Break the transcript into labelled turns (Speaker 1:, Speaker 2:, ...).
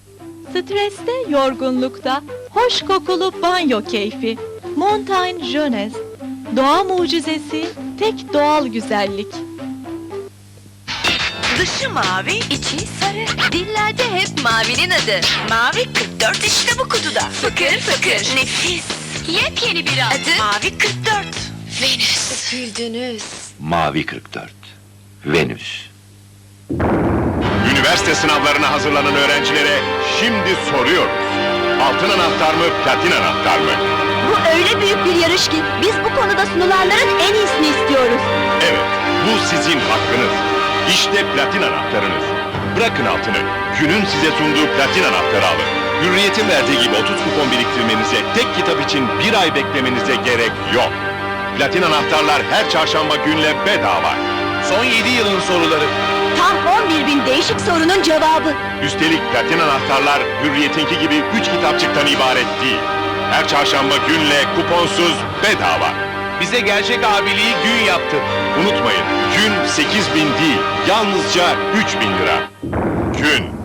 Speaker 1: Streste, yorgunlukta, hoş kokulu banyo keyfi. Montaigne Jeunesse. Doğa mucizesi, tek doğal güzellik.
Speaker 2: Dışı mavi,
Speaker 3: İçi sarı, dillerde hep mavinin adı.
Speaker 2: mavi 44 işte bu kutuda.
Speaker 3: Fıkır fıkır.
Speaker 2: Nefis.
Speaker 3: Yepyeni bir adı.
Speaker 2: Mavi 44.
Speaker 3: Venüs. Güldünüz.
Speaker 4: Mavi 44. Venüs.
Speaker 5: Üniversite sınavlarına hazırlanan öğrencilere şimdi soruyoruz. Altın anahtar mı, platin anahtar mı?
Speaker 1: Bu öyle büyük bir yarış ki biz bu konuda sunulanların en iyisini istiyoruz.
Speaker 5: Evet, bu sizin hakkınız. İşte platin anahtarınız. Bırakın altını, günün size sunduğu platin anahtarı alın. Hürriyet'in verdiği gibi 30 kupon biriktirmenize, tek kitap için bir ay beklemenize gerek yok. Platin anahtarlar her çarşamba günle bedava. Son 7 yılın soruları.
Speaker 1: Tam 11.000 değişik sorunun cevabı.
Speaker 5: Üstelik platin anahtarlar Hürriyet'inki gibi 3 kitapçıktan ibaret değil. Her çarşamba günle kuponsuz bedava. Bize gerçek abiliği gün yaptı. Unutmayın, gün 8.000 değil, yalnızca 3.000 lira. Gün